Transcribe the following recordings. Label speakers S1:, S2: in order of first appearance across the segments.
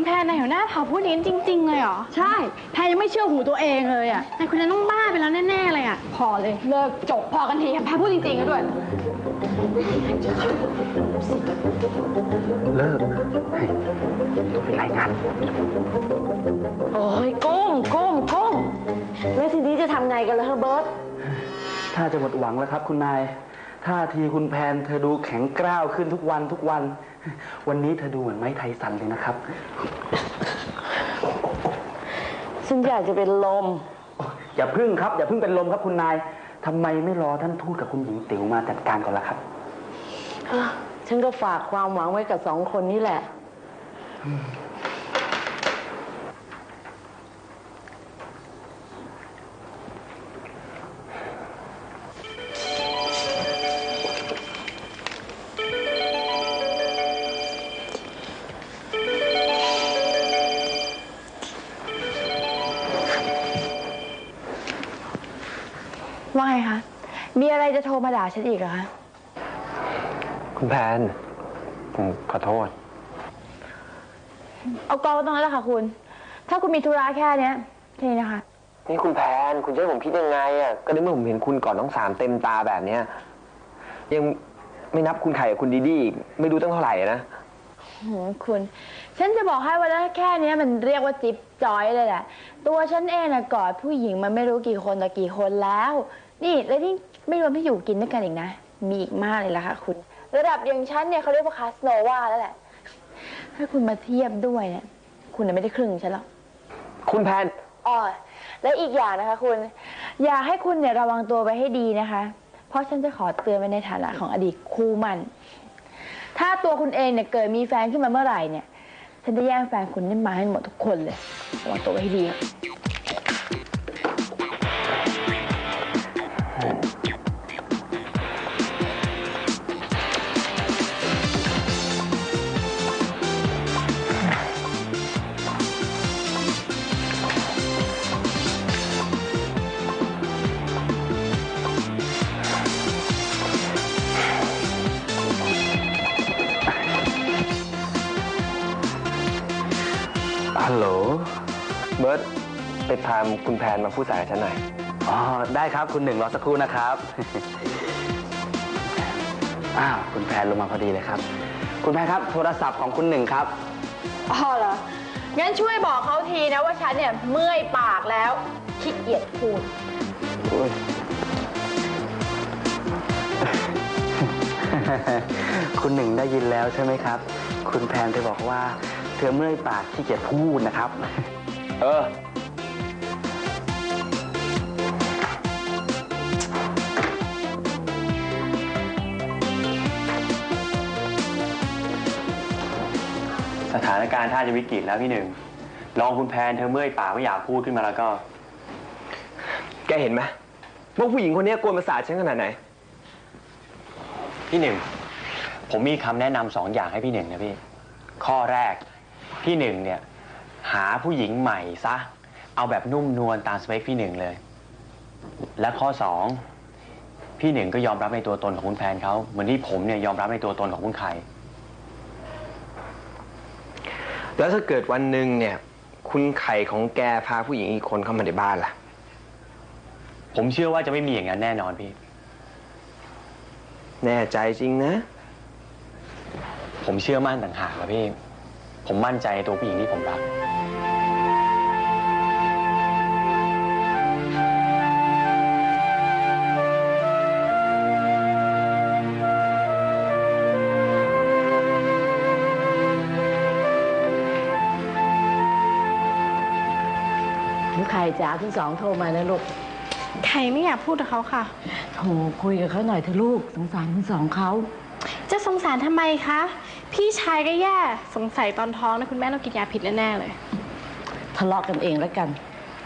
S1: แพรในหัวหน้าเผ่าพูดนี้จริงๆเลยเหรอ
S2: ใช่แพรยังไม่เชื่อหูตัวเองเลยอ่ะ
S1: นายคนนั้นต้องบ้าไปแล้วแน่ๆเลยอ่ะ
S2: พอเลยเลิกจบพอกันทีแพรพูดจริงๆกันด้วย
S3: เลิกต้องไปรายงาน
S4: โอ้ยกุ้งแล้วทีนี้จะทำไงกันล่ะเฮอร์เบิร์ต
S3: ถ้าจะหมดหวังแล้วครับคุณนายท่าทีคุณแพนเธอดูแข็งกร้าวขึ้นทุกวันวันนี้เธอดูเหมือนไม้ไทสันเลยนะครับ
S4: ฉันอยากจะเป็นลม
S3: อย่าพึ่งครับอย่าพึ่งเป็นลมครับคุณนายทำไมไม่รอท่านทูตกับคุณหญิงติ๋วมาจัดการก่อนล่ะครับ
S4: ฉันก็ฝากความหวังไว้กับ2 คนนี้แหละ
S1: ว่าไงคะมีอะไรจะโทรมาด่าฉันอีกเหรอคะ
S3: คุณแพนผมขอโทษ
S1: เอากองตรงนั้นแหละค่ะคุณถ้าคุณมีธุระแค่นี้นะคะ
S3: นี่คุณแพนคุณจะให้ผมคิดยังไงอ่ะก็ในเมื่อผมเห็นคุณก่อนน้องสามเต็มตาแบบเนี้ยยังไม่นับคุณไข่กับคุณดีดีไม่รู้ตั้งเท่าไหร่นะ
S1: คุณฉันจะบอกให้ว่าแค่นี้มันเรียกว่าจิ๊บจอยเลยแหละตัวฉันเองนะกอดผู้หญิงมันไม่รู้กี่คนต่อกี่คนแล้วนี่แล้วนี่ไม่รวมที่อยู่กินด้วยกันอีกนะมีอีกมากเลยล่ะค่ะคุณระดับอย่างฉันเนี่ยเขาเรียกว่าคาสโนวาแล้วแหละถ้าคุณมาเทียบด้วยเนี่ยคุณไม่ได้ครึ่งฉันหรอก
S3: คุณแพน
S1: และอีกอย่างนะคะคุณอยากให้คุณเนี่ยระวังตัวไว้ให้ดีนะคะเพราะฉันจะขอเตือนไว้ในฐานะของอดีตคู่มั่นถ้าตัวคุณเองเนี่ยเกิดมีแฟนขึ้นมาเมื่อไหร่เนี่ยฉันจะแย่งแฟนคุณนี่มาให้หมดทุกคนเลยระวังตัวไว้ให้ดี
S3: ฮัลโหลเบิร์ตไปพาคุณแพนมาพูดสายกับฉันหน่อยได้ครับคุณหนึ่งรอสักครู่นะครับคุณแพนลงมาพอดีเลยครับคุณแพนครับโทรศัพท์ของคุณหนึ่งครับ
S1: เหรองั้นช่วยบอกเขาทีนะว่าฉันเนี่ยเมื่อยปากแล้วขี้เกียจพูด
S3: คุณหนึ่งได้ยินแล้วใช่ไหมครับคุณแพนเธอบอกว่าเธอเมื่อยปากขี้เกียจพูดนะครับสถานการณ์ถ้าจะวิกฤตแล้วพี่หนึ่งลองคุณแพนเธอเมื่อยปากไม่อยากพูดขึ้นมาแล้วก็แกเห็นไหมว่าผู้หญิงคนนี้กวนประสาทฉันขนาดไหนพี่หนึ่งผมมีคำแนะนำ2 อย่างให้พี่หนึ่งนะพี่ข้อแรกพี่หนึ่งเนี่ยหาผู้หญิงใหม่ซะเอาแบบนุ่มนวลตามสเปคพี่หนึ่งเลยและข้อ2พี่หนึ่งก็ยอมรับในตัวตนของคุณแพนเขาเหมือนที่ผมเนี่ยยอมรับในตัวตนของคุณไข่แล้วถ้าเกิดวันหนึ่งเนี่ยคุณไข่ของแกพาผู้หญิงอีกคนเข้ามาในบ้านล่ะผมเชื่อว่าจะไม่มีอย่างนั้นแน่นอนพี่แน่ใจจริงนะผมเชื่อมั่นต่างหากนะพี่ผมมั่นใจในตัวผู้หญิงที่ผมรัก
S4: ไข่จ๋าคุณ2โทรมาแล้วลูก
S1: ไข่ไม่อยากพูดกับเขาค่ะ
S4: โทรคุยกับเขาหน่อยเถอะลูกสงสารคุณ2เขา
S1: จะสงสารทำไมคะพี่ชายก็แย่สงสัยตอนท้องนะคุณแม่ต้องกินยาผิดแน่ๆเลย
S4: ทะเลาะกันเองแล้วกัน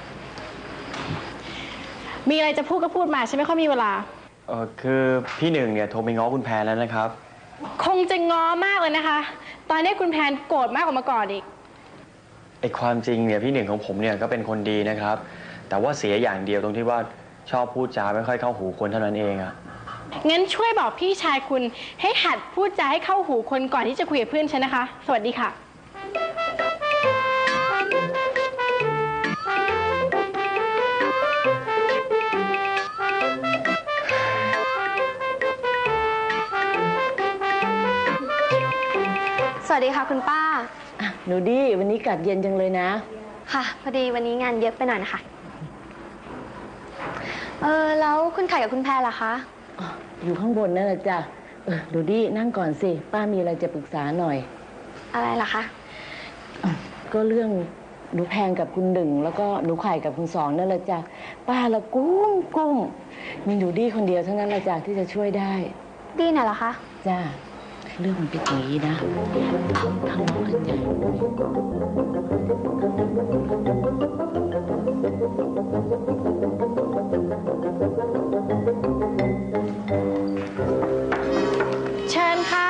S1: มีอะไรจะพูดก็พูดมาฉันไม่ค่อยมีเวลา
S3: คือพี่หนึ่งเนี่ยโทรไปง้อคุณแพนแล้วนะครับ
S1: คงจะง้อมากเลยนะคะตอนนี้คุณแพนโกรธมากกว่าเมื่อก่อนอีก
S3: ไอ้ความจริงเนี่ยพี่หนึ่งของผมเนี่ยก็เป็นคนดีนะครับแต่ว่าเสียอย่างเดียวตรงที่ว่าชอบพูดจาไม่ค่อยเข้าหูคนเท่านั้นเองอะ
S1: งั้นช่วยบอกพี่ชายคุณให้หัดพูดจาให้เข้าหูคนก่อนที่จะคุยกับเพื่อนฉันนะคะสวัสดีค่ะ
S5: สวัสดีค่ะคุณป้า
S4: หนูดีวันนี้กัดเย็นจังเลยนะ
S5: ค่ะ พอดีวันนี้งานเยอะไปหน่อยนะคะ แล้วคุณไข่กับคุณแพรล่ะคะ
S4: อยู่ข้างบนนั่นแหละจ้ะหนูดีนั่งก่อนสิป้ามีอะไรจะปรึกษาหน่อย
S5: อะไรล่ะคะ
S4: ก็เรื่องหนูแพงกับคุณหนึ่งแล้วก็หนูไข่กับคุณสองนั่นแหละจ้ะป้าละกุ้งมีหนูดีคนเดียวเท่านั้นแหละจ้ะที่จะช่วยได้
S5: ดีน่ะเหรอคะ
S4: จ้าเรื่องมันเป็นอย่างนี้นะทะเลาะกันใหญ่เลย
S2: เชิญค่ะ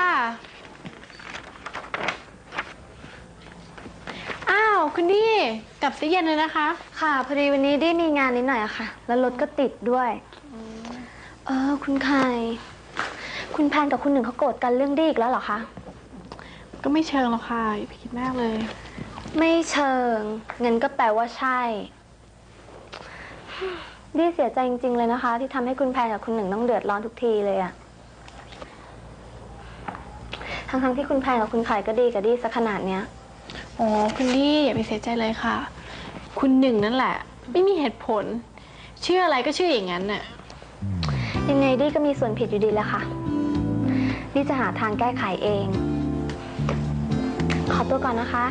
S2: อ้าวคุณดีกลับซะเย็นเลยนะคะ
S5: ค่ะ พอดีวันนี้ได้มีงานนิดหน่อยอะค่ะ แล้วรถก็ติดด้วย คุณไข่คุณแพนกับคุณหนึ่งเขาโกรธกันเรื่องดีอีกแล้วเหรอคะ
S2: ก็ไม่เชิงหรอกค่ะอย่าไปคิดมากเลย
S5: ไม่เชิงงั้นก็แปลว่าใช่ดีเสียใจจริงๆเลยนะคะ ที่ทำให้คุณแพนกับคุณหนึ่งต้องเดือดร้อนทุกทีเลยอะทั้งๆที่คุณแพนกับคุณไข่ก็ดีกับดีสักขนาดเนี้ย
S2: อ๋อคุณดีอย่าไปเสียใจเลยค่ะ คุณหนึ่งนั่นแหละ ไม่มีเหตุผล เชื่ออะไรก็เชื่ออย่างนั้นน่ะ
S5: ยังไงดีก็มีส่วนผิดอยู่ดีแหละค่ะดีจะหาทางแก้ไขเอง ขอตัวก่อนนะคะ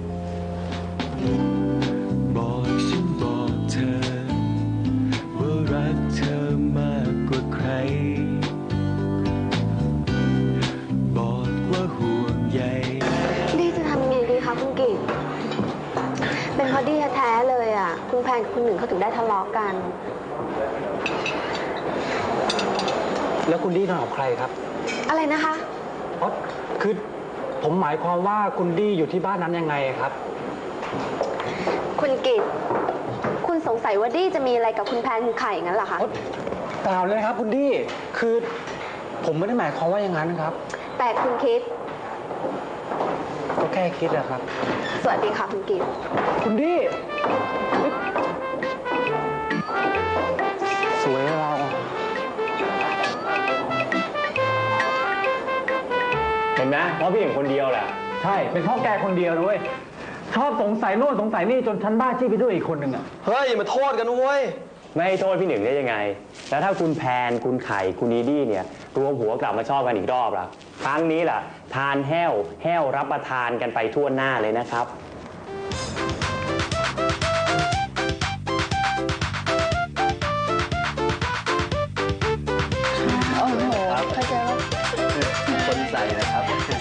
S6: บอกฉันบอกเธอ ว่ารักเธอมากกว่าใคร บอกว่าห่วงใย
S5: ดีจะทำยังไงดีคะคุณกิตเป็นเพราะดีแท้ๆเลยอ่ะ คุณแพนกับคุณหนึ่งเขาถึงได้ทะเลาะกัน
S7: แล้วคุณดี้นอนกับใครครับ
S5: อะไรนะคะ
S7: เพราะคือผมหมายความว่าคุณดี้อยู่ที่บ้านนั้นยังไงครับ
S5: คุณกิตคุณสงสัยว่าดีจะมีอะไรกับคุณแพนคุณไข่งั้นเหรอคะ
S7: เปล่าเลยครับคุณดี้คือผมไม่ได้หมายความว่าอย่างนั้นครับ
S5: แต่คุณคิด
S7: ก็แค่คิดแหละครับ
S5: สวัสดีค่ะคุณกิต
S7: คุณดี้สวยเรา
S3: เห็นไหมเพราะพี่หนึ่งคนเดียวแหละ
S7: ใช่เป็นเพ่อแกคนเดียวด้วยชอบสงสัยโน่นสงสัยนี่จนฉันบ้าจี้ไปด้วยอีกคนหนึ่งอ่ะ
S8: เฮ้ยอย่ามาโทษกันนะเว้ย
S3: ไม่ให้โทษพี่หนึ่งได้ยังไง แล้วถ้าคุณแพนคุณไข่คุณนีดี้เนี่ยรวมหัวกลับมาชอบกันอีกรอบล่ะครั้งนี้ล่ะ ทานแห้วรับประทานกันไปทั่วหน้าเลยนะครับ
S1: โอ้โหเข้าใจว่า
S8: คนใส่นะครับ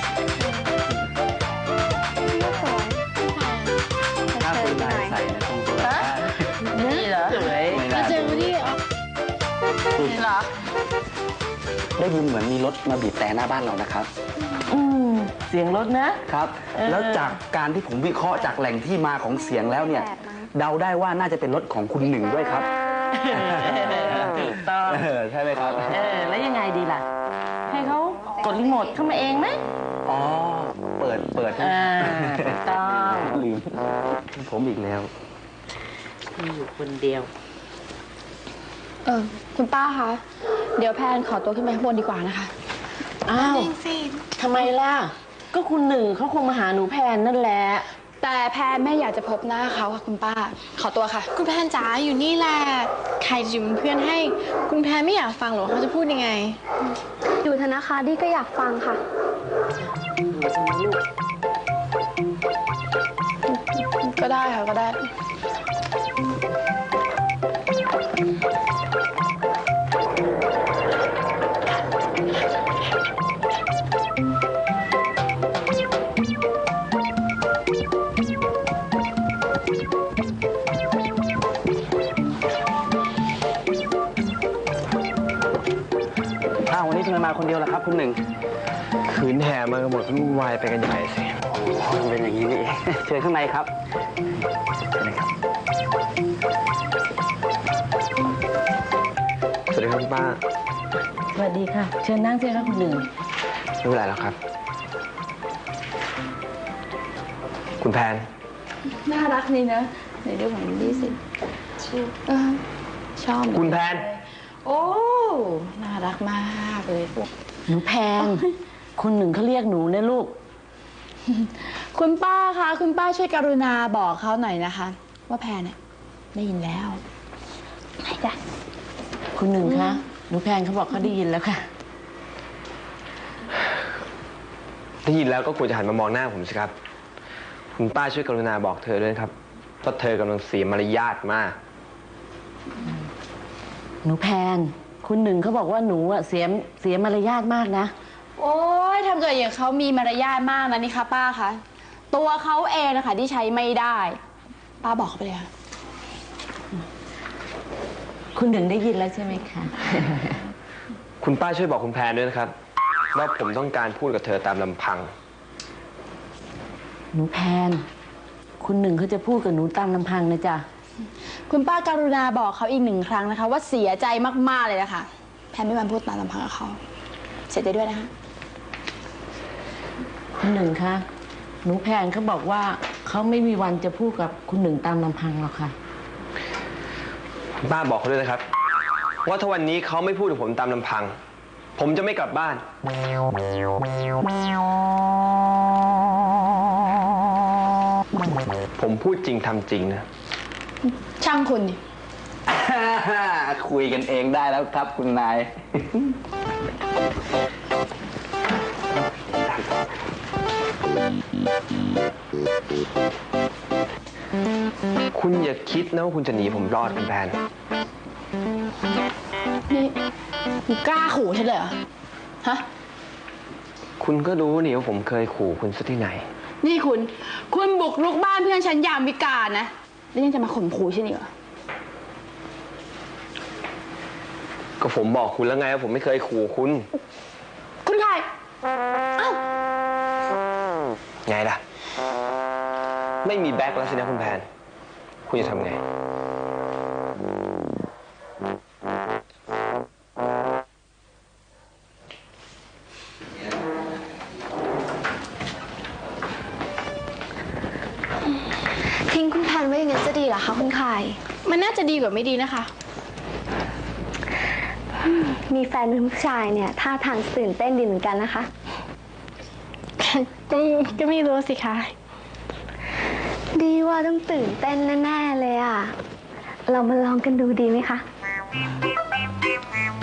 S8: ถ้าคุณนายใส่นะคงตัวได้
S4: นี่เหรอสวย
S8: ไม่
S2: มา
S8: น่า
S2: เจอวันนี้
S4: เหรอ
S8: ได้ยินเหมือนมีรถมาบีบแต่หน้าบ้านเรานะครับ
S4: เสียงรถนะครับ
S8: แล้วจากการที่ผมวิเคราะห์จากแหล่งที่มาของเสียงแล้วเนี่ย เดาได้ว่าน่าจะเป็นรถของคุณหนึ่งด้วยครับ
S4: ถูกต้อง
S8: ใช่ไหมครับ
S4: แล้วยังไงดีล่ะ ให้เขากดรีโมทเข้ามาเองไหม
S8: อ๋อ เปิดใช่ไหม
S4: ถูกต้อง
S8: ลืมผมอีกแล้ว
S4: มีอยู่คนเดียว
S2: คุณป้าคะ เดี๋ยวแพนขอตัวขึ้นไปข้างบนดีกว่านะคะ
S4: อ้าวทำไมล่ะ ก็คุณหนึ่งเขาคงมาหาหนูแพนนั่นแหละ
S2: แต่แพนไม่อยากจะพบหน้าเขาค่ะคุณป้า ขอตัวค่ะ คุณแพนจ๋าอยู่นี่แหละ ใครจะอยู่เป็นเพื่อนให้ คุณแพนไม่อยากฟังหรอเขาจะพูดยังไง
S5: อยู่เถอะนะคะดีก็อยากฟังค่ะ
S2: ก็ได้ค่ะก็ได้
S8: อ้าววันนี้ทำไมมาคนเดียวล่ะครับคุณหนึ่ง
S3: ขืนแห่มากันหมดก็วุ่นวายไปกันใหญ่สิ
S8: มันเป็นอย่างนี้นี่เองเชิญข้างในครับเชิญเลยครับ
S3: สวัสดีครับคุณป้า
S4: สวัสดีค่ะ เชิญนั่งเชิญค่ะคุณหนึ่ง
S3: ไม่เป็นไรแล้วครับ คุณแพน
S1: น่ารักนี่นะในเรื่องของลิลลี่สิชอบ
S3: คุณแพน
S1: โอ้ น่ารักมากเลยพวก
S4: หนูแพง คนหนึ่งเขาเรียกหนูนะลูก
S2: คุณป้าคะคุณป้าช่วยกรุณาบอกเขาหน่อยนะคะ ว่าแพรเนี่ยได้ยินแล้วไหนจ้ะ
S4: คุณหนึ่งคะหนูแพงเขาบอกเขาได้ยินแล้วค่ะ
S9: ได้ยินแล้วก็ควรจะหันมามองหน้าผมสิครับ คุณป้าช่วยกรุณาบอกเธอด้วยนะครับว่าเธอกำลังเสียมารยาทมาก
S4: หนูแพงคุณหนึ่งเขาบอกว่าหนูอะเสียมารยาทมากนะ
S2: โอ้ยทำเกิดอย่างเขามีมารยาทมากนะนี่คะป้าคะตัวเขาเองนะคะที่ใช้ไม่ได้ ป้าบอกเขาไปเลยค่ะ
S4: คุณหนึ่งได้ยินแล้วใช่ไหมคะ
S9: คุณป้าช่วยบอกคุณแพนด้วยนะครับว่าผมต้องการพูดกับเธอตามลำพัง
S4: หนูแพนคุณหนึ่งเขาจะพูดกับหนูตามลำพังนะจ๊ะ
S2: คุณป้าการุณาบอกเขาอีก1 ครั้งนะคะ ว่าเสียใจมากๆเลยนะคะแพนไม่มาพูดตามลำพังกับเขาเสียใจด้วยนะคะ
S4: คุณหนึ่งคะหนูแพนเขาบอกว่าเขาไม่มีวันจะพูดกับคุณหนึ่งตามลำพังหรอกค่ะ
S9: คุณป้าบอกเขาด้วยนะครับ ว่าถ้าวันนี้เขาไม่พูดกับผมตามลำพัง ผมจะไม่กลับบ้าน ผมพูดจริงทำจริงนะ
S2: ช่างคุณดิ
S8: คุยกันเองได้แล้วครับคุณนาย
S9: คุณอย่าคิดนะว่าคุณจะหนีผมรอดคุณแพน
S2: นี่คุณกล้าขู่ฉันเลยเหรอฮะ
S9: คุณก็รู้นี่ว่าผมเคยขู่คุณซะที่ไหน
S2: นี่คุณบุกรุกบ้านเพื่อนฉันยามวิกาลนะแล้วยังจะมาข่มขู่ฉันอีกเหรอ
S9: ก็ผมบอกคุณแล้วไงว่าผมไม่เคยขู่คุณ
S2: คุณใครเอ้า
S9: ไงล่ะ ไม่มีแบ็คแล้วสินะคุณแพน คุณจะทำไง
S5: ทิ้งคุณแพนไว้อย่างนั้นจะดีเหรอคะคุณไข่
S2: มันน่าจะดีกว่าไม่ดีนะคะ
S5: มีแฟนเป็นผู้ชายเนี่ยท่าทางตื่นเต้นดีเหมือนกันนะคะ
S2: ก็ไม่รู้สิคะ
S5: ดีว่าต้องตื่นเต้นแน่ๆเลยอ่ะ เรามาลองกันดูดีไหมคะ